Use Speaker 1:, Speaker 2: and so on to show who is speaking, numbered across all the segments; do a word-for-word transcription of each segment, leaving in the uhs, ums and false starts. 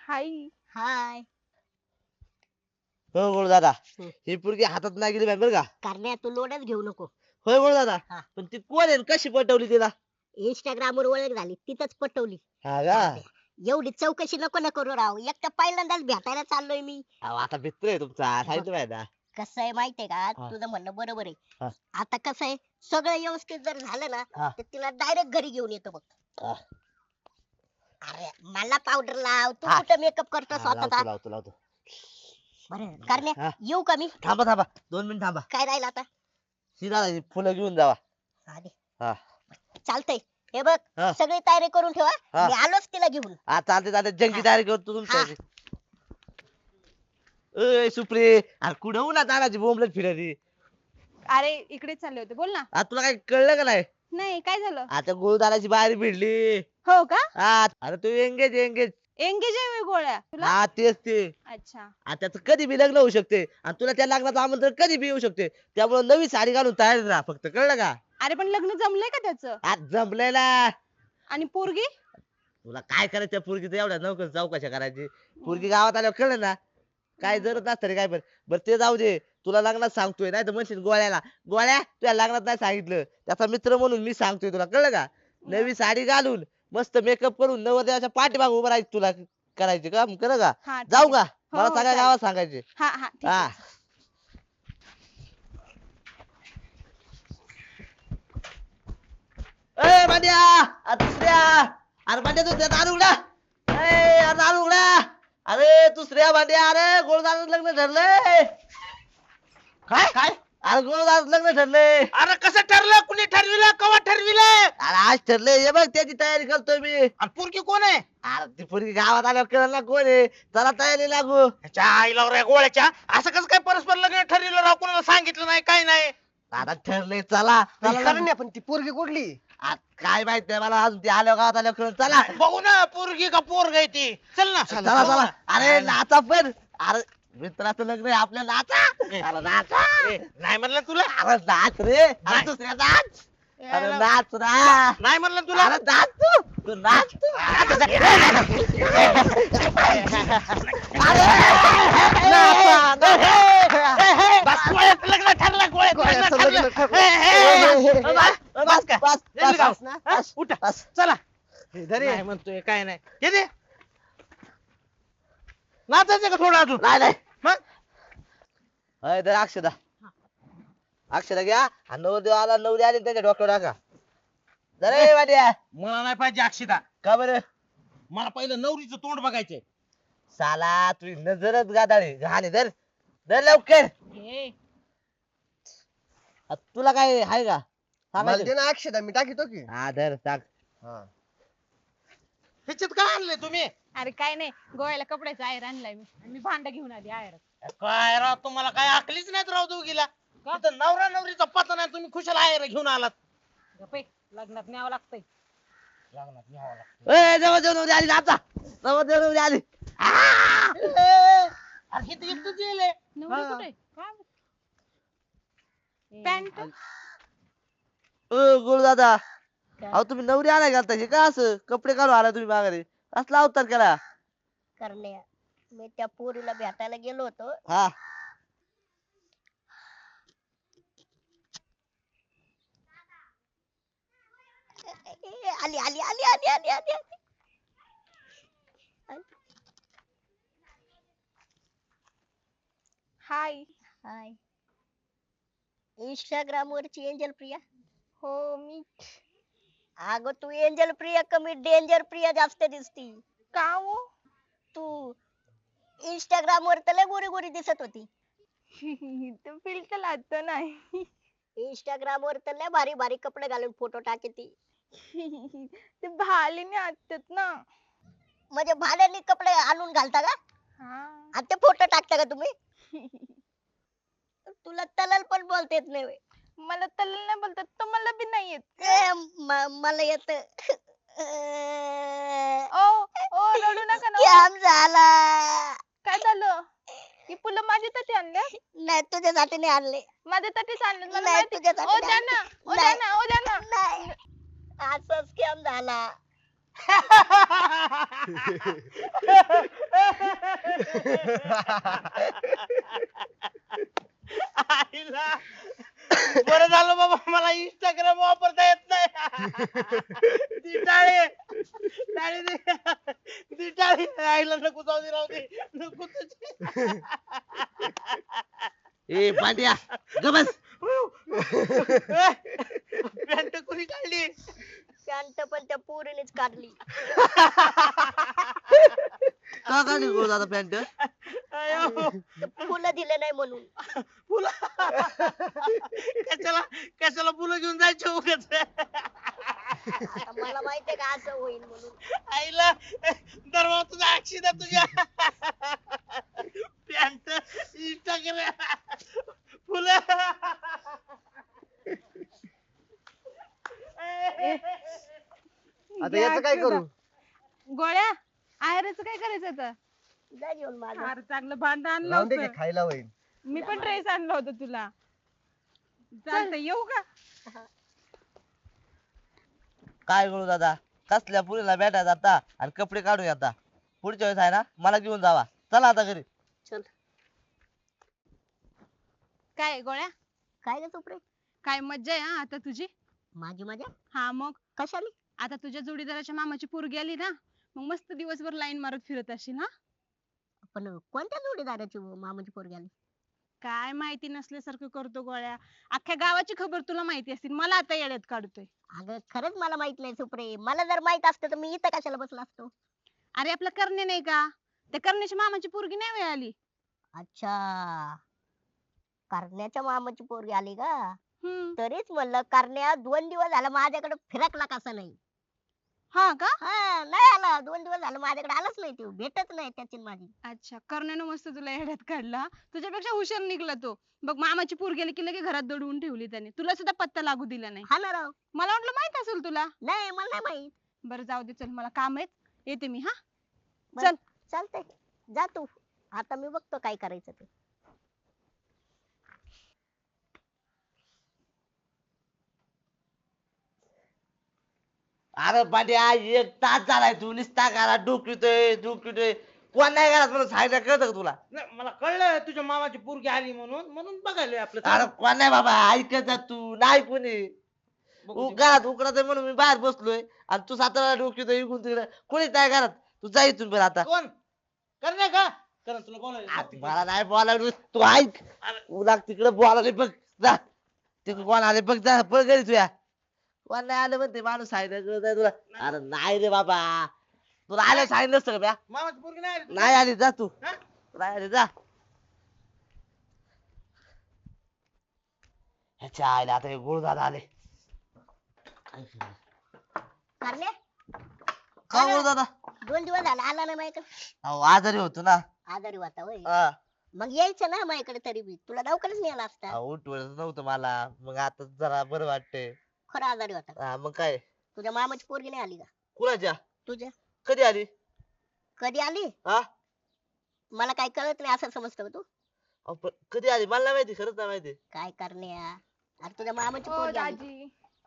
Speaker 1: हाय.
Speaker 2: हाय.
Speaker 3: हो गोड दादा,
Speaker 2: हम्म.
Speaker 3: ही पोरगी हातात नाही गेली बरं का.
Speaker 2: करण्या तू लोडच घेऊ नको.
Speaker 3: होय गोड दादा.
Speaker 2: हा.
Speaker 3: पण ती कोण आहे आणि कशी पटवली तिला?
Speaker 2: इंस्टाग्राम वर ओळख झाली तिथंच पटवली.
Speaker 3: हा का?
Speaker 2: एवढी चौकशी नको ना करू राव, एक तर पहिल्यांदाच भेटायला चाललोय मी.
Speaker 3: अहो, आता मित्र आहे तुमचा, सांगितलं माहिती ना.
Speaker 2: कसं आहे माहितीये का,
Speaker 3: हा.
Speaker 2: तुझं म्हणणं बरोबर
Speaker 3: हा.
Speaker 2: आहे. आता कसं आहे, सगळं व्यवस्थित जर झालं ना
Speaker 3: हा.
Speaker 2: तर तिला डायरेक्ट घरी घेऊन येतो बघ.
Speaker 3: हा.
Speaker 2: अरे मला पावडर लाव, तू
Speaker 3: हा.
Speaker 2: कुठं मेकअप करतो
Speaker 3: हा,
Speaker 2: स्वतःचा.
Speaker 3: लावतो लावतो लावतो.
Speaker 2: बरं करण्या,
Speaker 3: हा.
Speaker 2: येऊ का मी?
Speaker 3: थांबा थांबा दोन मिनिट थांबा.
Speaker 2: काय राहिलं आता?
Speaker 3: सीधा फुलं घेऊन जावा.
Speaker 2: आधी
Speaker 3: हा.
Speaker 2: चालतंय. हे बघ,
Speaker 3: हा.
Speaker 2: सगळी तयारी करून ठेवा,
Speaker 3: हा.
Speaker 2: मी आलोच तिला घेऊन.
Speaker 3: हा चालते चालते जंगी
Speaker 2: हा.
Speaker 3: तयारी करतो तुमच्या. ए सुप्रे, अरे कुठं उन्हात तानाची बोंबलत फिरायची.
Speaker 1: अरे इकडे चालले होते, बोल ना.
Speaker 3: आता तुला काही कळलं का नाही?
Speaker 1: नाही, काय झालं?
Speaker 3: आता गोळदाराची बाहेर भिडली.
Speaker 1: हो का?
Speaker 3: हा अरे तू एंगेज एंगेज.
Speaker 1: एंगेज आहे गोळ्या तुला.
Speaker 3: हा तेच ते.
Speaker 1: अच्छा.
Speaker 3: आता त्याचं कधी बी लग्न होऊ शकते आणि तुला त्या लग्नाचं आमंत्रण कधी बी येऊ शकते. त्यामुळे नवी साडी घालून तयार राहा फक्त, कळलं का?
Speaker 1: अरे पण लग्न जमलंय का त्याचं?
Speaker 3: आज जमलेला.
Speaker 1: आणि पोरगी?
Speaker 3: तुला काय करायचं त्या पोरगीचं एवढ्या नौकर चौकशा करायची? पोरगी गावात आल्यावर कळलं ना. काय जरूरत नसतं रे काय पण. बरं ते जाऊ दे, तुला लग्नात सांगतोय नाही तर म्हणशील गोळ्याला गोळ्या तुला लग्नात नाही सांगितलं. त्याचा मित्र म्हणून मी सांगतोय तुला, कळलं का? नवी साडी घालून मस्त मेकअप करून नवरदेवाच्या पाठीमागे उभं राहायचं तुला करायचे का, कळलं का?
Speaker 1: हा, ठीक
Speaker 3: जाऊ
Speaker 1: आहे.
Speaker 3: का?
Speaker 1: हो,
Speaker 3: मला
Speaker 1: हो,
Speaker 3: सगळ्या
Speaker 1: चालेल.
Speaker 3: गावात सांगायचे.
Speaker 1: हा हा ठीक
Speaker 3: हा.
Speaker 1: आहे.
Speaker 3: ए मांड्या, आ दुसऱ्या, अरे मांड्या दुसऱ्या दार उघडा. ए अरे दार उघडा. अरे दुसऱ्या मांड्या, अरे गोळदार लग्न ठरलंय.
Speaker 4: काय काय
Speaker 3: अरे गोळदार लग्न ठरलंय.
Speaker 4: अरे कसं ठरलं, कुणी ठरविलं, कवा ठरविलं?
Speaker 3: अरे आज ठरलंय, हे बघ त्याची तयारी करतोय मी.
Speaker 4: आणि पोरगी कोण आहे?
Speaker 3: अरे ती पोरगी गावात आल्यावर कळलं ना कोण आहे. चला तयारी लागू.
Speaker 4: ह्याच्या आईला रे गोळ्याच्या, असं कसं काय परस्पर लग्न ठरविलं राव, कोणाला सांगितलं नाही काय नाही?
Speaker 3: आता ठरलंय, चला चला लग्न.
Speaker 5: पण ती पोरगी कुठली?
Speaker 3: आ, काय माहित नाही मला अजून, ते आल्यावर गावात आल्यावर कळलं. चला
Speaker 4: बघू ना पोरगी का पोरग आहे ती. चल ना
Speaker 3: चला चला. अरे नाचा पण. अरे मित्राचं लग्न आहे आपल्या, नाचा. अरे नाचा.
Speaker 4: ए, नाही म्हणलं तुला.
Speaker 3: अरे नाच रे. अरे
Speaker 4: नाही.
Speaker 3: दुसऱ्या नाच. अरे
Speaker 4: यायला-
Speaker 3: नाच ना.
Speaker 4: नाही म्हणलं तुला.
Speaker 3: अरे नाच तू. तू नाच तू. अरे नाचा, नाचा.
Speaker 4: बस, गोळ्याचं लग्न ठरलं, गोळ्याचं लग्न ठरलं. ए, ए, ए,
Speaker 3: बस, बस,
Speaker 4: का?
Speaker 3: बस,
Speaker 4: जल्दी
Speaker 3: बस,
Speaker 4: जाऊ.
Speaker 3: बस,
Speaker 4: हा? उठा.
Speaker 3: बस.
Speaker 4: चला.
Speaker 5: धरे.
Speaker 4: नाही म्हणतोय काय नाही. हे दे. नाचायचं का थोडं अजून?
Speaker 3: नाही नाही.
Speaker 4: मग
Speaker 3: अय तर अक्षदा, अक्षदा घ्या. हा नवरदेव आला, नवरी आली त्याच्या डोक्यावर टाका. जरे वाट्या.
Speaker 4: मला नाही पाहिजे अक्षिता.
Speaker 3: का बरं?
Speaker 4: मला पहिलं नवरीचं तोंड बघायचंय.
Speaker 3: साला तुझी नजरच गादाळी. घाणे धर धर लवकर.
Speaker 1: हे,
Speaker 3: आ, तुला काय आहे का
Speaker 5: मला
Speaker 3: सांगायचं?
Speaker 5: दे ना अक्षदा, मी टाकीतो की.
Speaker 3: हा धर टाक.
Speaker 4: ह्याच्यात काय आणलंय तुम्ही?
Speaker 1: अरे काय नाही, गोव्याला कपड्याचा आयर आणलाय मी. आणि मी भांडा घेऊन आली आयर.
Speaker 4: काय राव, तुम्हाला काय आकलीच नाहीत राव दोघीला. इथं नवरा नवरीचा पता नाही, तुम्ही खुशाला आहे घेऊन आलात.
Speaker 1: गप्पे, लग्नात न्यावं लागतंय.
Speaker 4: लग्नात न्यावं लागतं.
Speaker 3: ए जवळ जवळ नवरी आली, नाचा. जवळ जवळ नवरी आली.
Speaker 4: ए, अरे इथं एकटंच येईल.
Speaker 1: नवरी
Speaker 4: हा.
Speaker 1: कुठे? काय? पॅन्ट.
Speaker 3: ओ गुरु दादा, अहो तुम्ही नवरी आलाय घालता हे का असं कपडे काढून आला तुम्ही माघारी? असला अवतार केला.
Speaker 2: करण्या, मी त्या पोरीला भेटायला गेलो होतो.
Speaker 3: हा
Speaker 2: ए, आली आली आली आली आली आली आली.
Speaker 1: हाय.
Speaker 2: हाय. इंस्टाग्राम वरची एंजल प्रिया.
Speaker 1: हो मी.
Speaker 2: अगं तू एंजल प्रिया कमी डेंजर प्रिया जास्त दिसती.
Speaker 1: का हो?
Speaker 2: तू इंस्टाग्राम वर तर लय गोरी गोरी दिसत होती.
Speaker 1: ते फिल्टर लागतं नाही.
Speaker 2: इंस्टाग्राम वर तर लय भारी भारी कपडे घालून फोटो टाकती.
Speaker 1: ते भालीने असतात ना.
Speaker 2: म्हणजे भाड्याने कपडे आणून घालता का?
Speaker 1: हा.
Speaker 2: आणि ते फोटो टाकता का तुम्ही? तुला तलल पण बोलता येत नाही व्हय.
Speaker 1: मला तल नाही बोलतात, तुम्हाला बी नाही येत.
Speaker 2: ए, म- मला येत.
Speaker 1: ओ ओ रडू नका ना.
Speaker 2: कॅम झाला.
Speaker 1: काय झालं? ही फुलं माझ्यासाठी आणल्या?
Speaker 2: नाही तुझ्यासाठी नाही आणले.
Speaker 1: माझ्यासाठीच आणले मला
Speaker 2: नाही,
Speaker 1: माहिती.
Speaker 2: तुझ्यासाठी
Speaker 1: ओ द्या
Speaker 2: नाही.
Speaker 1: ना, ओ द्या
Speaker 2: नाही.
Speaker 1: ना, ओ द्या ना.
Speaker 2: नाही असा स्कॅम झाला.
Speaker 4: आईला बरं झालं बाबा मला इंस्टाग्राम वापरता येत नाही. ती टाळे टाळे दे ती टाळे आईला नको जाऊ दे राहू दे नको तुझी.
Speaker 3: ए पांड्या ग बस.
Speaker 4: पॅन्ट कोणी काढली?
Speaker 2: पॅन्ट पण त्या पोरीनेच काढली.
Speaker 3: का काढली गोळ दादा पॅन्ट?
Speaker 4: अयो,
Speaker 2: ते फुलं दिले नाही म्हणून.
Speaker 4: फुलं कशाला कशाला फुलं घेऊन जायचे उगाच.
Speaker 2: आता मला माहितीये का असं होईल म्हणून.
Speaker 4: आईला दरवा तुझा अक्षिदा तुझ्या पॅन्ट इंस्टाग्राम फुलं.
Speaker 5: आता याचं काय करू?
Speaker 1: गोळ्या आहेरच काय करायचं आता?
Speaker 2: जा घेऊन माझं.
Speaker 1: फार चांगलं भांड आणलं
Speaker 5: राहून दे की
Speaker 1: होतं.
Speaker 5: खायला होईल.
Speaker 1: मी पण ड्रेस आणला होता तुला. चालतंय येऊ का?
Speaker 3: काय करू दादा कसल्या पुरीला भेटायचं आता आणि कपडे काढून आता पुढच्या वेळेस आहे ना मला घेऊन जावा. चला आता घरी.
Speaker 2: चल.
Speaker 1: काय आहे गोळ्या?
Speaker 2: काय ग सुप्रे?
Speaker 1: काय मज्जा आहे हा आता तुझी.
Speaker 2: माझी मजा
Speaker 1: हा मग
Speaker 2: कशाली?
Speaker 1: आता तुझ्या जोडीदाराच्या मामाची पोरगी आली ना मग मस्त दिवसभर लाईन मारत फिरत असशील हा.
Speaker 2: पण कोणत्या जोडीदाराची मामाची पोरगी आली?
Speaker 1: काय माहिती नसल्यासारखं करतो गोळ्या. अख्ख्या गावाची खबर तुला माहिती असतील मला आता येड्यात काढतोय.
Speaker 2: अगं खरंच मला माहित नाही सुप्रे. मला जर माहित असतं तर मी इथं कशाला बसला असतो.
Speaker 1: अरे आपला करणे नाही का त्या करण्याच्या मामाची पोरगी नाही वेळ आली.
Speaker 2: अच्छा, करण्याच्या मामाची पोरगी आली का?
Speaker 1: हम्म.
Speaker 2: तरीच म्हणलं करण्या दोन दिवस झालं माझ्याकडे फिरकला कसा नाही.
Speaker 1: हा का?
Speaker 2: हा नाही आला. दोन दिवस झालं माझ्याकडे आलाच नाही. तो भेटत नाही त्याची आणि माझी.
Speaker 1: अच्छा करण्यानं मस्त तुला येड्यात काढला. तुझ्यापेक्षा हुशार निघला तो. बघ मामाची पोर गेली की लगे घरात दडवून ठेवली त्याने. तुला सुद्धा पत्ता लागू दिला नाही.
Speaker 2: हा ना राव.
Speaker 1: मला वाटलं माहित असेल तुला.
Speaker 2: नाही मला नाही माहित.
Speaker 1: बरं जाऊ दे चल मला काम आहेत येते मी हा.
Speaker 2: बरं,
Speaker 1: चल.
Speaker 2: चालतंय जा तू. आता मी बघतो काय करायचं ते.
Speaker 3: अरे पांड्या एक तास झालाय तू निस्ता करा डोकितोय डोकितोय कोण नाही घरात म्हणून सांगितलं कळतं का तुला?
Speaker 4: नाही, मला कळलं तुझ्या मामाची पोरगी आली म्हणून म्हणून बघायला आपलं.
Speaker 3: अरे कोण नाही बाबा ऐकत जा तू नाही कोणी.
Speaker 4: बघू दे.
Speaker 3: घरात उकडत आहे म्हणून मी बाहेर बसलोय आणि तू सातारा डोकितोय इकडून तिकडे कोणीच नाही घरात. तू जा इथून बरं आता.
Speaker 4: कोण करणे का? करण तुला बोलायला
Speaker 3: आ, मला नाही बोलायला तू ऐक. उला तिकडे बोलायला बघ जा तिकडे कोण आले बघ जा पळ घरी तुया. कोण नाही आलं म्हणते माणूस सांगितलं तुला. अरे नाही रे बाबा तुला आलं सांगितलं नसतं का म्या?
Speaker 4: मामाची पोरगी नाही आली.
Speaker 3: नाही आली जा तू.
Speaker 4: हा?
Speaker 3: नाही आली जा. ह्याच्या आईला आता हे गुरुदादा आले.
Speaker 2: करण्या
Speaker 3: का गुरुदादा?
Speaker 2: दोन दिवस झाला आला नाही माझ्याकडे.
Speaker 3: अहो आजारी होतो ना.
Speaker 2: आजारी होता होय.
Speaker 3: हा.
Speaker 2: मग यायचं ना माझ्याकडे तरी बी. तुला दवाखान्यात नेला असता.
Speaker 3: अहो, उठवलं नव्हतं मला मग आता जरा बरं वाटतंय.
Speaker 2: खरं आजारी होता.
Speaker 3: हा मग काय
Speaker 2: तुझ्या मामाची पोरगी नाही आली का?
Speaker 3: कुणाच्या
Speaker 2: तुझ्या
Speaker 3: कधी आली?
Speaker 2: कधी आली?
Speaker 3: हा
Speaker 2: मला काय कळत नाही असं समजतं का तू?
Speaker 3: अहो, पण कधी आली मला नाही माहिती खरंच नाही माहिती.
Speaker 2: काय करण्या? अरे तुझ्या मामाची
Speaker 1: हो
Speaker 2: पोरगी आली.
Speaker 1: दाजी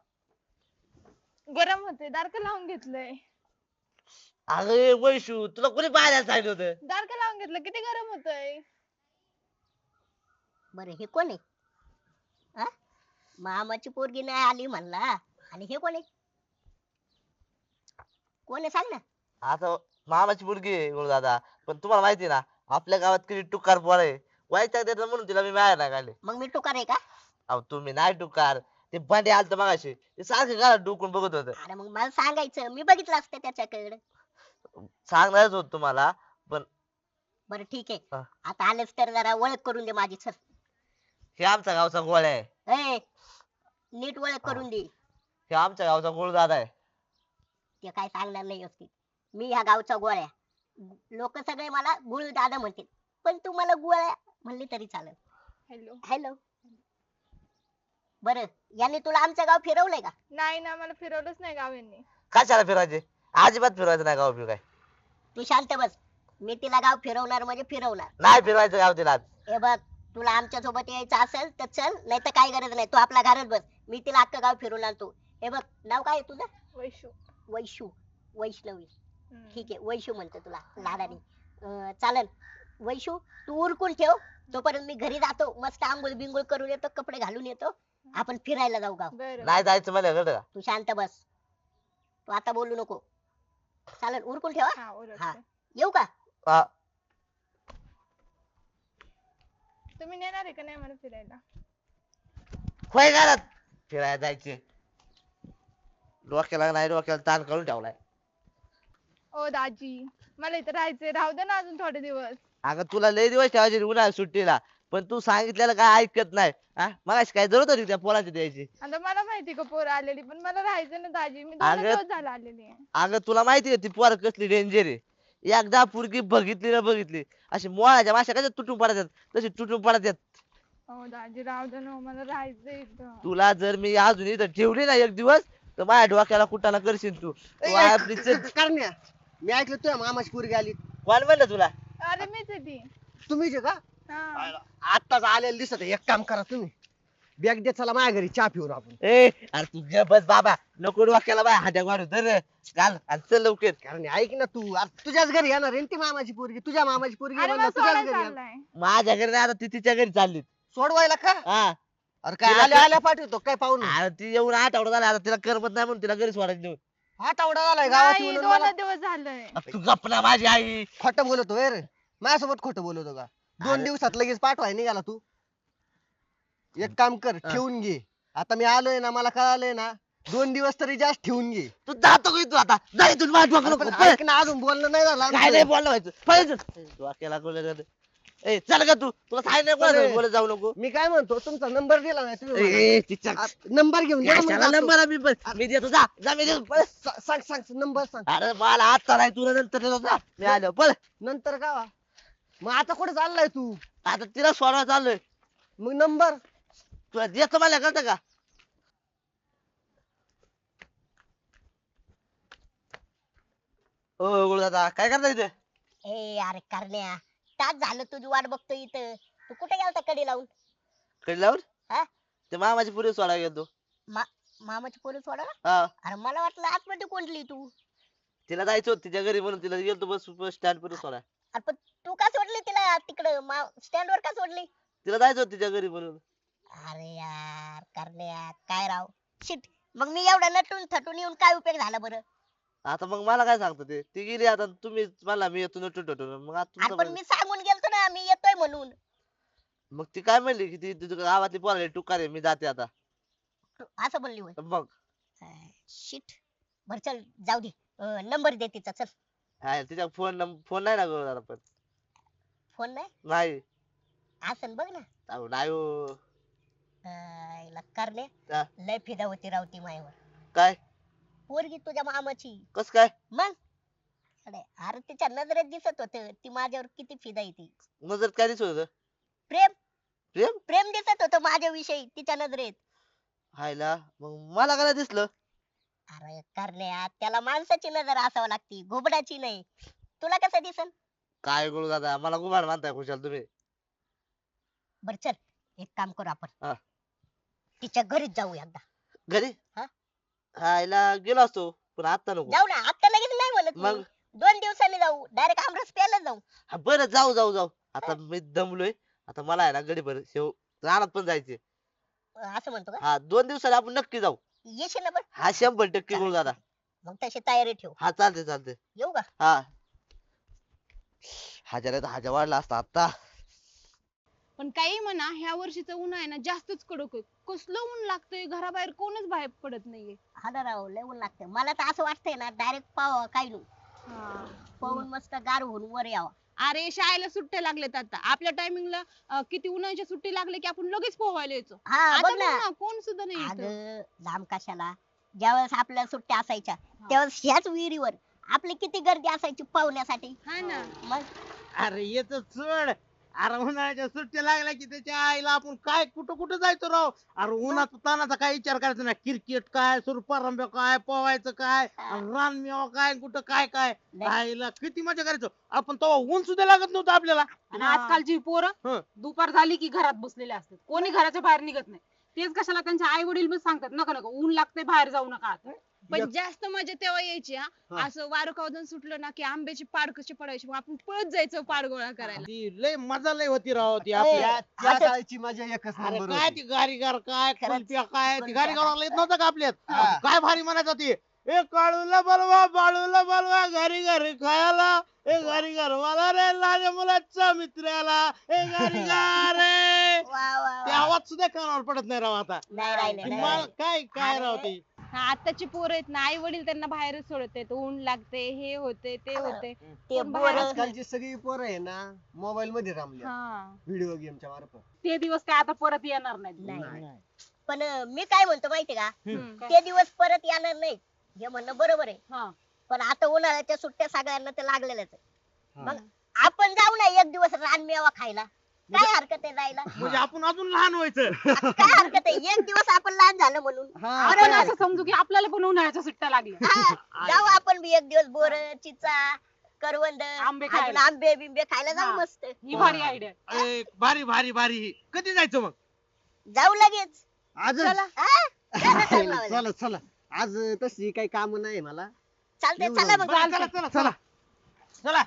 Speaker 1: गरम होते दारक लावून घेतलंय.
Speaker 3: अरे वैशू तुला कोणी पाहायला सांगितलं होतं?
Speaker 1: दारक लावून घेतलं किती गरम होतंय.
Speaker 2: बरं हे कोण आहे? हा? मामाची पोरगी नाही आली म्हणला आणि हे कोण आहे? कोण आहे सांग ना.
Speaker 3: आता मामाची मुलगी आहे गुरुदादा पण तुम्हाला माहिती ना आपल्या गावात किती टुकार पोर आहे. वाईट देतात म्हणून तिला मी बाहेर नाही काढले.
Speaker 2: मग मी टुकार आहे का?
Speaker 3: अहो तुम्ही नाही टुकार ते भांडे आलत मगाशी ते सारखं घरात डुकून बघत होत.
Speaker 2: अरे मग मला सांगायचं मी बघितलं असतं त्याच्याकडे.
Speaker 3: सांगणारच होत तुम्हाला पण
Speaker 2: बरं ठीक आहे.
Speaker 3: हा.
Speaker 2: आता आलेच तर जरा ओळख करून दे माझी. चल
Speaker 3: हे आमच्या गावचा गोळ्या आहे.
Speaker 2: ए, नीट ओळख करून दे.
Speaker 3: हे आमच्या गावचा गुरुदादा आहे.
Speaker 2: ते काय सांगणार नाही व्यवस्थित. मी ह्या गावचा गोळ्या. लोक सगळे मला गुळ दादा म्हणतील पण तू मला गोळ्या म्हणली तरी चालेल.
Speaker 1: हॅलो.
Speaker 2: हॅलो. बरं यांनी तुला आमचं गाव फिरवलंय का?
Speaker 1: नाही ना मला फिरवलंच नाही गाव यांनी.
Speaker 3: कशाला फिरायचे अजिबात फिरवायचं नाही गाव फिर काय.
Speaker 2: तू शांत बस. मी तिला गाव फिरवणार म्हणजे फिरवणार.
Speaker 3: नाही फिरवायचं गाव तिला.
Speaker 2: हे बघ तुला आमच्या सोबत यायचं असेल तर चल नाही तर काही गरज नाही. तू आपल्या घरात बस. मी तिला अख्खं गाव फिरवून आणतो. हे बघ नाव काय आहे तुझं?
Speaker 1: वैशू.
Speaker 2: वैशू. वैष्णवी
Speaker 6: हम्म.
Speaker 2: ठीक आहे वैशू म्हणतो तुला लाडाने अं, चालेल वैशू तू उरकून ठेव तोपर्यंत मी घरी जातो मस्त आंघोळ बिंगोळ करून येतो कपडे घालून येतो आपण फिरायला जाऊ गाव
Speaker 6: बरं
Speaker 3: नाही जायचं मला गड
Speaker 2: तू शांत बस तू आता बोलू नको चालेल उरकून ठेवा
Speaker 6: हा
Speaker 2: हा.
Speaker 6: ओळखते.
Speaker 2: येऊ का
Speaker 3: हा.
Speaker 6: तुम्ही नेणार आहे का नाही मला फिरायला?
Speaker 3: होय घरात फिरायला जायचे डोक्याला नाही डोक्याला ताण करून ठेवलाय.
Speaker 6: ओ दाजी मला इथं राहायचंय राहू दे ना अजून थोडे दिवस.
Speaker 3: अगं तुला लय दिवस ठेवायचे उन्हाळ्यात सुट्टीला पण तू सांगितलेलं काय ऐकत नाही हा मगाशी काय जरूरत होती त्या पोराची द्यायची.
Speaker 6: आता मला माहिती का पोरं आलेली पण मला राहायचं ना दाजी मी दोन
Speaker 3: अगं-
Speaker 6: दिवस झाला आलेली आहे.
Speaker 3: अगं तुला माहिती आहे ती पोर कसली डेंजर आहे. एकदा पुरगी बघितली ना बघितली अशी मोळाच्या माश्या कशा तुटून पडतात तशी तुटून पडतात.
Speaker 6: ओ दाजी राहू दे ना मला राहायचंय इथं.
Speaker 3: तुला जर मी अजून इथं ठेवली ना एक दिवस तर माझ्या डोक्याला कुठाला करशील तू तू आपली चल-
Speaker 5: करण्या मी ऐकलं तुझ्या मामाची पोरगी आली
Speaker 3: कोण म्हणलं तुला
Speaker 6: अरे मीच आहे ती.
Speaker 5: तुम्हीच आहे का
Speaker 6: हा.
Speaker 5: आत्ताच आलेलं दिसत आहे. एक काम करा तुम्ही बॅग दे चला माझ्या घरी चहा पिऊन आपण
Speaker 3: ए अरे तू गप बस बाबा नको डोक्याला बाय हात्या वाढू तर घाल आणि चल लवकर.
Speaker 5: कारण ऐक ना तू अरे तुझ्याच घरी येणार आहे ना ती मामाची पोरगी तुझ्या मामाची पोरगी
Speaker 6: अरे
Speaker 5: म्हणलं
Speaker 6: मला
Speaker 5: तुझ्याच
Speaker 6: सोडायला
Speaker 5: घरी येणार.
Speaker 6: चाललाय.
Speaker 3: माझ्या घरी नाही आता ती तिच्या घरी चालली.
Speaker 5: सोडवायला का
Speaker 3: हा
Speaker 5: अरे काय
Speaker 3: तिला
Speaker 5: आल्या
Speaker 3: का-
Speaker 5: आल्या पाठवतो काय पाहून
Speaker 3: अरे ती येऊन आठवडा झाला आता तिला करमत नाही म्हणून तिला घरी सोडायला देऊ.
Speaker 5: आठवडा झालाय गावात
Speaker 6: नाही
Speaker 5: येऊन
Speaker 6: दोन
Speaker 5: मला
Speaker 6: दिवस झालंय.
Speaker 3: तू गपना माझी आई.
Speaker 5: खोटं बोलतो रे माझ्यासोबत खोटं बोलतो का दोन
Speaker 3: अरे-
Speaker 5: दिवसात लगेच पाठवाय निघाला तू एक काम कर
Speaker 3: हा.
Speaker 5: ठेवून घे आता मी आलोय ना मला कळालंय ना दोन दिवस तरी जास्त ठेवून घे
Speaker 3: तू जातो का तू आता जा इथून माझ्या डोक्याला
Speaker 5: पण
Speaker 3: नको. पळ.
Speaker 5: ऐक ना अजून बोलणं नाही झालं
Speaker 3: काय नाही
Speaker 5: आमचं.
Speaker 3: बोललं व्हायचं पळ इथून. डोक्याला कोणाला जातं. ए चल का तू तुला सांगितलं
Speaker 5: चल रे.
Speaker 3: कोणाला बोलत जाऊ नको.
Speaker 5: मी काय म्हणतो तुमचा नंबर दिला नाही तुम्ही मला.
Speaker 3: ए तिच्या
Speaker 5: नंबर घेऊन जा मग
Speaker 3: कशाला
Speaker 5: जातो.
Speaker 3: नंबर मी पण मी देतो जा जा मी देतो पळ.
Speaker 5: सा- सांग सांग नंबर सांग
Speaker 3: अरे मला आता नाही तुला नंतर देतो जा मी आलो पळ.
Speaker 5: नंतर का मग आता कुठे चाललाय तू
Speaker 3: आता तिला सोडवा चाललोय
Speaker 5: मग नंबर
Speaker 3: तुला देतो मला कळतं का. ओ गुरुदादा काय करता इथे.
Speaker 2: ए अरे करण्या तास झालं तुझी वाट बघतो इथं तू कुठे गेलता कडी लावून
Speaker 3: कडे लावून
Speaker 2: हा?
Speaker 3: ते मामाची पुरी सोडा गेलो.
Speaker 2: मामाची पोरं सोडा
Speaker 3: हा
Speaker 2: अरे मला वाटलं आतमध्ये कोंडली तू
Speaker 3: तिला जायचं होतं तिच्या घरी म्हणून तिला गेलो बस बस स्टँड पुरी सोडा.
Speaker 2: अरे पण तू का सोडली तिला तिकडं स्टँड वर का सोडली
Speaker 3: तिला जायचं होतं तिच्या घरी म्हणून.
Speaker 2: अरे यार करण्या काय राव शिट मग मी एवढा नटून थटून येऊन काय उपयोग झाला बरं
Speaker 3: आता मग मला काय सांगतो ते ती गेली आता तुम्ही मला मी येतो नटून टटून मग आता
Speaker 2: अरे
Speaker 3: तुमचं
Speaker 2: पण मी सांगून गेलतो ना मी येतोय म्हणून
Speaker 3: मग ती काय म्हणली की ती तुझ्या गावातली पोराली टुकार आहे मी जाते आता.
Speaker 2: तू असं बोलली होय
Speaker 3: मग
Speaker 2: शिट बर चल जाऊ दे नंबर दे तिचा चल
Speaker 3: हा, तिच्या फोन फोन नाही ना गुरुदादा पण
Speaker 2: फोन नाही
Speaker 3: नाही
Speaker 2: असं बघ ना
Speaker 3: अहो, नाही हो.
Speaker 2: अं, हिला करणे
Speaker 3: हा.
Speaker 2: लय फिदा होती रावती मायावर
Speaker 3: काय
Speaker 2: पोरगी तुझ्या मामाची
Speaker 3: कस काय
Speaker 2: मग अरे अरे तिच्या नजरेत दिसत होत ती माझ्यावर किती फिदा आहे ती
Speaker 3: नजर काय दिसत होतं
Speaker 2: प्रेम
Speaker 3: प्रेम
Speaker 2: प्रेम दिसत होत माझ्याविषयी तिच्या नजरेत
Speaker 3: हायला मग मला काय दिसलं.
Speaker 2: अरे करण्या त्याला माणसाची नजर असावं लागती घोबडाची नाही तुला कसं दिसन
Speaker 3: काय गुरुदादा मला गुमान मानताय खुशाल तुम्ही.
Speaker 2: बर चल एक काम करू आपण
Speaker 3: हा.
Speaker 2: तिच्या घरीच जाऊ एकदा
Speaker 3: घरी
Speaker 2: हा?
Speaker 3: हायला गेलो असतो पण आता नको.
Speaker 2: जाऊ ना आता लगेच नाही म्हणत
Speaker 3: मग?
Speaker 2: मी. दोन दिवसांनी जाऊ डायरेक्ट आमरस प्यायला जाऊ
Speaker 3: हा, बरं जाऊ जाऊ जाऊ आता मी दमलोय आता मला आहे ना गडी भर शेव रानात पण जायचे.
Speaker 2: असं म्हणतो का
Speaker 3: हा दोन दिवसाला आपण नक्की जाऊ.
Speaker 2: येशील ना पण
Speaker 3: हा शंभर टक्के
Speaker 2: चालेल.
Speaker 3: गुरुदादा.
Speaker 2: मग तशी तयारी ठेव
Speaker 3: हा चालते चालते.
Speaker 2: येऊ का
Speaker 3: हा हजार हजार वाढला असता आता.
Speaker 1: पण काही म्हणा ह्या वर्षीचं ऊन आहे ना जास्तच कडक आहे कसलं ऊन लागतंय घराबाहेर कोणच बाहेर पडत नाहीये.
Speaker 2: हा ना राव लय ऊन लागतं मला तर असं वाटतंय ना डायरेक्ट पाव काय नु
Speaker 1: हा.
Speaker 2: पाहून मस्त गार होऊन वर यावा
Speaker 1: अरे शाळेला सुट्ट्या लागल्यात आता आपल्या टायमिंगला किती उन्हाळ्याच्या सुट्टी लागले की आपण लगेच पोहायला यायचो.
Speaker 2: हा
Speaker 1: आता
Speaker 2: बघ
Speaker 1: बघ
Speaker 2: ना
Speaker 1: ना कोण सुद्धा नाही इथं.
Speaker 2: अगं लांब कशाला ज्यावेळेस आपल्या सुट्ट्या असायच्या त्यावेळेस ह्याच विहिरीवर आपली किती गर्दी असायची पाहुण्यासाठी
Speaker 1: हा ना
Speaker 2: मग
Speaker 4: अरे येत सोड अरे उन्हाळ्याच्या सुट्ट्या लागल्या की त्याच्या आईला आपण काय कुठं कुठं जायचो राव. अरे उन्हाचा तानाचा काय विचार करायचा नाही क्रिकेट काय सुरपारंब्या काय पोवायचं काय रानमेवा काय कुठं काय काय
Speaker 2: लय.
Speaker 4: आईला किती मजा करायचो आपण तेव्हा ऊन सुद्धा लागत नव्हतं आपल्याला.
Speaker 7: आणि आजकालची
Speaker 4: हं.
Speaker 7: पोरं दुपार झाली की घरात बसलेले असतात कोणी घराच्या बाहेर निघत नाही तेच कशाला त्यांच्या आई वडील पण सांगतात नका नका ऊन लागते बाहेर जाऊ नका आता
Speaker 1: पण
Speaker 5: एक-
Speaker 1: जास्त मजा तेव्हा यायची हा
Speaker 5: हा.
Speaker 1: असं वारं कावदन सुटलं ना की आंब्याची पाड कशी पडायची मग आपण पळत जायचो पाड गोळा करायला.
Speaker 4: ती लय मजा लय होती राव ती
Speaker 2: ए,
Speaker 4: आपल्या
Speaker 5: त्या
Speaker 2: असं-
Speaker 5: काळची मजा एकच
Speaker 4: अरे
Speaker 5: नंबर
Speaker 4: काय
Speaker 5: होती.
Speaker 4: ती गारीगार काय
Speaker 2: खरंच.
Speaker 4: कुल्फ्या काय ती
Speaker 2: कुल्फ्या
Speaker 4: गारीगार येत नव्हतं का आपल्यात
Speaker 5: हा.
Speaker 4: काय भारी म्हणायचं ती ए काळूला बोलवा बाळूला बोलवा घरी घरी खायला ए घरी घर मला रे लहान मुलाचा मित्राला ए घरी रे
Speaker 2: वा वा
Speaker 4: ते
Speaker 2: वा.
Speaker 4: आवाज सुद्धा कानावर पडत नाही राव आता
Speaker 2: नाही राहिले
Speaker 4: ती
Speaker 2: नाही
Speaker 4: मा-
Speaker 2: राहिले.
Speaker 4: काय काय राव
Speaker 2: अरे.
Speaker 4: ती
Speaker 1: हा, आताची पोरं आहेत ना आई वडील त्यांना बाहेरच सोडत आहेत ऊन लागते हे होते ते होते
Speaker 2: ते
Speaker 1: कोण
Speaker 2: बोर
Speaker 1: बाहेर
Speaker 5: आजकालची सगळी पोरं आहे ना मोबाईल मध्ये रमल्या
Speaker 1: हा
Speaker 5: व्हिडिओ गेमच्या मार्फत.
Speaker 7: ते दिवस काय आता परत येणार नाहीत.
Speaker 2: नाही पण अं, मी काय म्हणतो माहितीये का
Speaker 1: हम्म.
Speaker 2: ते दिवस परत येणार नाही हे म्हणणं बरोबर आहे
Speaker 7: हा.
Speaker 2: पण आता उन्हाळ्याच्या सुट्ट्या सगळ्यांना ते लागलेल्याच आहे.
Speaker 5: हा.
Speaker 2: मग आपण जाऊ ना एक दिवस रानमेवा खायला काय हरकत आहे जायला
Speaker 4: म्हणजे आपण अजून लहान व्हायचं
Speaker 2: काय हरकत आहे एक दिवस आपण लहान झालं म्हणून
Speaker 7: आपण असं समजू की आपल्याला पण उन्हाळ्याच्या सुट्ट्या लागल्या.
Speaker 2: हा, जाऊ आपण बी एक दिवस बोर चिचा करवंद
Speaker 7: आंबे
Speaker 2: अजून
Speaker 7: खायला.
Speaker 2: आंबे बिंबे खायला जाऊ
Speaker 7: हा.
Speaker 2: मस्त
Speaker 7: ही भारी आयडिया.
Speaker 4: ए, भारी भारी भारी कधी जायचं मग
Speaker 2: जाऊ लगेच
Speaker 5: आजच
Speaker 2: हा? चला, चला, चला.
Speaker 5: चला चला आज तशी काही काम नाही मला.
Speaker 2: चालतंय
Speaker 5: येऊ
Speaker 2: चला
Speaker 5: ना.
Speaker 2: मग
Speaker 4: बरं, चला चला चला चला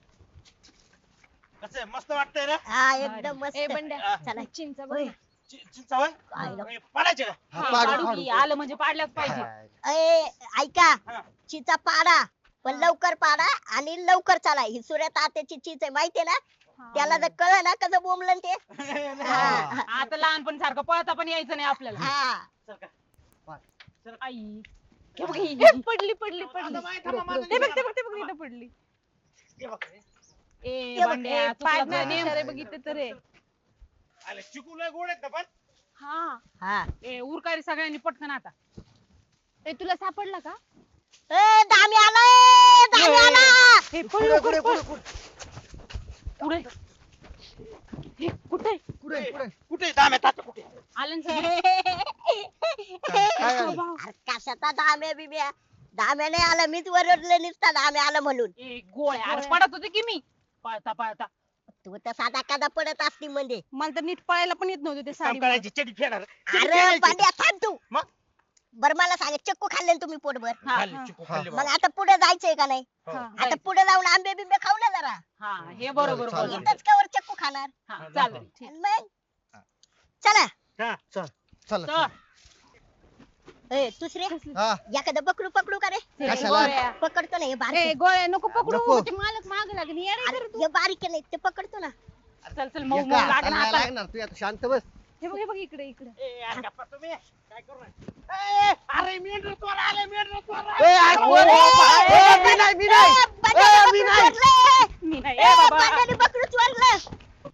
Speaker 4: कसं आहे मस्त वाटतंय ना
Speaker 2: हा एकदम मस्त
Speaker 1: ए बंड्या
Speaker 2: चला
Speaker 1: चिंचा बघ
Speaker 2: होय.
Speaker 1: ना.
Speaker 4: चि- चिंचा होय?
Speaker 2: काय नको.
Speaker 4: ए, पाडायचे का
Speaker 5: हा,
Speaker 7: हा,
Speaker 5: पाडू,
Speaker 7: पाडू
Speaker 5: पाडू,
Speaker 7: की.
Speaker 5: पाडू.
Speaker 7: आलं म्हणजे पाडल्याच पाहिजे.
Speaker 2: ए ऐका
Speaker 4: हा.
Speaker 2: चिचा पाडा पण लवकर पाडा आणि लवकर चला ही सूर्य तात्याची चीज आहे माहितीये ना
Speaker 1: हा.
Speaker 2: त्याला जर कळलं ना कसं बोंबलं ते हा.
Speaker 7: आता लहानपण सारखं पळता पण यायचं नाही आपल्याला.
Speaker 2: हा
Speaker 4: चल का.
Speaker 7: आई हे बघ ही.
Speaker 1: ए, पडली पडली
Speaker 4: आता
Speaker 1: पडली
Speaker 4: माहिती आहे ना माझं
Speaker 1: ते बघ ते
Speaker 4: नियोजन.
Speaker 1: बघ ते बघ इथं पडली
Speaker 4: हे बघ.
Speaker 7: ए
Speaker 2: हे बघ,
Speaker 7: भांड्या,
Speaker 1: ए,
Speaker 7: चुकलं
Speaker 1: पाडण्यात
Speaker 7: तुझं.
Speaker 1: इशारे बघितले तर रे
Speaker 4: आले चिकू लय गोड आहेत ना पण
Speaker 1: हा
Speaker 2: हा
Speaker 7: ए उरकारी सगळ्यांनी पटकन आता.
Speaker 1: ए तुला सापडला का
Speaker 2: ए दामी आलाय दामी आला
Speaker 1: हे पळ
Speaker 5: पुढे,
Speaker 1: लवकर,
Speaker 5: पुढे,
Speaker 1: पळ.
Speaker 5: पुढे,
Speaker 7: पुढे हे कुठे
Speaker 5: पुढे, पुढे.
Speaker 4: कुठे दाम्या तात्या कुठे
Speaker 7: आलं ना सगळं?
Speaker 5: काय झालं?
Speaker 2: अरे कशाचा दाम्या बिब्या दाम्या नाही आला मीच वरडले निसता दाम्या आला म्हणून
Speaker 7: ए गोळ्या अरे पडत होते की मी पळता पळता.
Speaker 2: तू तर साधा कादा पडत असती म्हणजे
Speaker 1: मला तर नीट पळायला पण येत नव्हतं ते
Speaker 4: काम
Speaker 1: साडी
Speaker 4: करायची चडी फेडार
Speaker 2: अरे पांड्या थांब तू
Speaker 4: मग?
Speaker 2: बर मला सांग चक्कू खाल्ले ना तुम्ही पोटभर
Speaker 1: हा.
Speaker 4: चिकू खाल्ले
Speaker 2: मग
Speaker 4: बाबा.
Speaker 2: आता पुढे जायचंय का नाही
Speaker 1: हा.
Speaker 2: आता पुढे जाऊन आंबे बिंबे खाऊ ना जरा
Speaker 7: हा हे बरोबर
Speaker 5: चालेल.
Speaker 7: बोल.
Speaker 2: इथंच कवर चक्कू खाणार
Speaker 7: हा चालेल.
Speaker 2: आणि मग चला
Speaker 4: हा.
Speaker 5: चला
Speaker 7: चल.
Speaker 5: चला.
Speaker 2: ए दुसरे
Speaker 5: हा
Speaker 2: एखादं पकडू पकडू का रे
Speaker 1: हे
Speaker 5: कशाला?
Speaker 1: गोळ्या.
Speaker 2: पकडतो ना हे
Speaker 1: ए
Speaker 2: बारीक
Speaker 1: गोळ्या नको पकडू
Speaker 5: नको.
Speaker 1: ते मालक माग लागेल येडे
Speaker 2: अरे,
Speaker 1: कर तू
Speaker 2: हे बारीक नाही ते पकडतो ना
Speaker 7: चल चल मऊ
Speaker 5: एका
Speaker 7: मऊ
Speaker 5: हाताला
Speaker 7: लागणार
Speaker 5: नाही
Speaker 7: आता.
Speaker 5: लागणार तू आता शांत बस.
Speaker 1: हे बघ हे बघ इकडे इकडे
Speaker 4: ए, यार, गप्पा तुम्ही काय करू नये. ए, अरे मेंढर चोर आले मेंढर चोर
Speaker 5: ए, अरे,
Speaker 4: आले.
Speaker 5: ओ, ओ, ए, मी नाही, मी नाही.
Speaker 2: ए, बंड्याने
Speaker 5: ए, मी
Speaker 2: बकरू
Speaker 5: नाही.
Speaker 2: चोरलं.
Speaker 7: मी नाही
Speaker 2: ए,
Speaker 7: ए बाबा.
Speaker 2: बंड्याने बकरू चोरलं.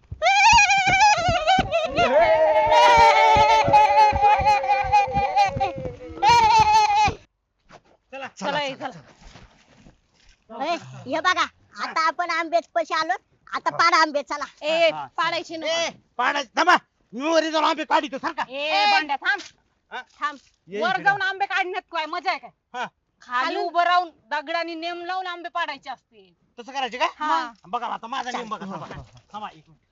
Speaker 4: चला
Speaker 7: चला ए, चला.
Speaker 2: ए, हे बघा आता आपण आंबेच पशी आलो आता पाडा आंबे चला
Speaker 1: ए पाडायचे
Speaker 4: ए,
Speaker 1: नको
Speaker 4: पाडायचं थांबा मी वरी जाऊन आंबे काढितो सारखा
Speaker 7: ए भांड्या थांब
Speaker 4: हा?
Speaker 1: थांब
Speaker 5: ये
Speaker 7: वर
Speaker 5: इकडे.
Speaker 7: जाऊन आंबे काढण्यात काय मजा आहे
Speaker 4: हा.
Speaker 7: काय खाली उभं राहून दगडाने नेम लावून आंबे पाडायचे असते.
Speaker 4: तसं करायचे का
Speaker 1: हा.
Speaker 4: बघा आता माझा नियम बघा थांबा थांबा एक मिनिट.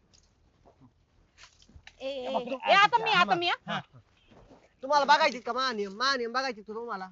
Speaker 1: ए, ए,
Speaker 4: हे बघ,
Speaker 1: ए.
Speaker 7: ए आता मी आता मी हा.
Speaker 4: हा.
Speaker 5: तुम्हाला बघायची का महानियम महानियम बघायची तू तुम्हाला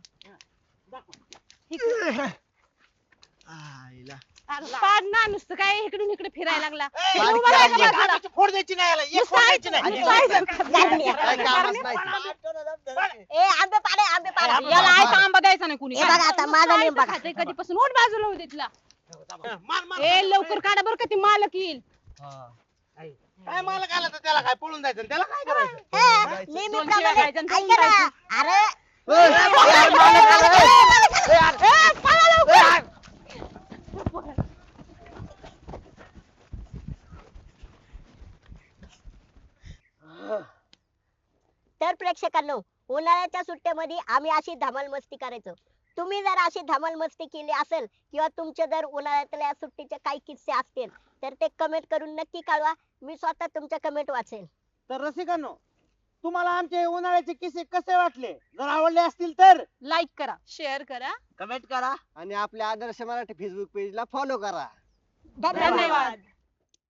Speaker 5: आईला.
Speaker 1: अरे पाड ना नुसतं काय इकडून इकडे फिरायला लागला
Speaker 4: ए,
Speaker 1: ए,
Speaker 5: बारीक
Speaker 1: उभा राहा
Speaker 5: करायची.
Speaker 1: का बाजूला?
Speaker 4: आंब्याची फोड द्यायची नाही याला एक
Speaker 1: नुसतं
Speaker 4: फोड
Speaker 1: ऐक-
Speaker 4: द्यायची नाही
Speaker 1: नुसतं ऐक.
Speaker 5: काय कामच नाही
Speaker 2: ए आंबे पाडे आंबे पाडा
Speaker 7: याला आयता आंबा द्यायचा नाही कुणी.
Speaker 2: हे बघा आता माझा नियम बघा
Speaker 1: खाते कधीपासून ओढ बाजूला होते तिला
Speaker 4: मार मार
Speaker 1: ए लवकर काढा बरं का ती मालक येईल
Speaker 4: काय मला काय आलं तर त्याला काय पळून जायचं त्याला काय करायचं
Speaker 2: ए, नेहमीप्रमाणे
Speaker 7: दोनशे खायचं आणि
Speaker 2: ऐका ना अरे
Speaker 5: ए, ए, मालक आला, ए. ए, अरे,
Speaker 1: ए, पळा लवकर.
Speaker 5: ए, अरे.
Speaker 2: तर प्रेक्षकांनो उन्हाळ्याच्या सुट्ट्यामध्ये आम्ही अशी धमाल मस्ती करायचो तुम्ही जर अशी धमाल मस्ती केली असेल किंवा तुमचे जर उन्हाळ्यातल्या सुट्टीचे काही किस्से असतील तर ते कमेंट करून नक्की कळवा मी स्वतः तुमच्या कमेंट वाचेल
Speaker 4: तर रसिकांनो तुम्हाला आमचे उन्हाळ्याचे किस्से कसे वाटले जर आवडले असतील तर
Speaker 7: लाईक करा.
Speaker 1: शेअर करा
Speaker 3: कमेंट करा
Speaker 5: आणि आपल्या आदर्श मराठी फेसबुक पेजला फॉलो करा
Speaker 2: धन्यवाद
Speaker 7: धन्यवाद.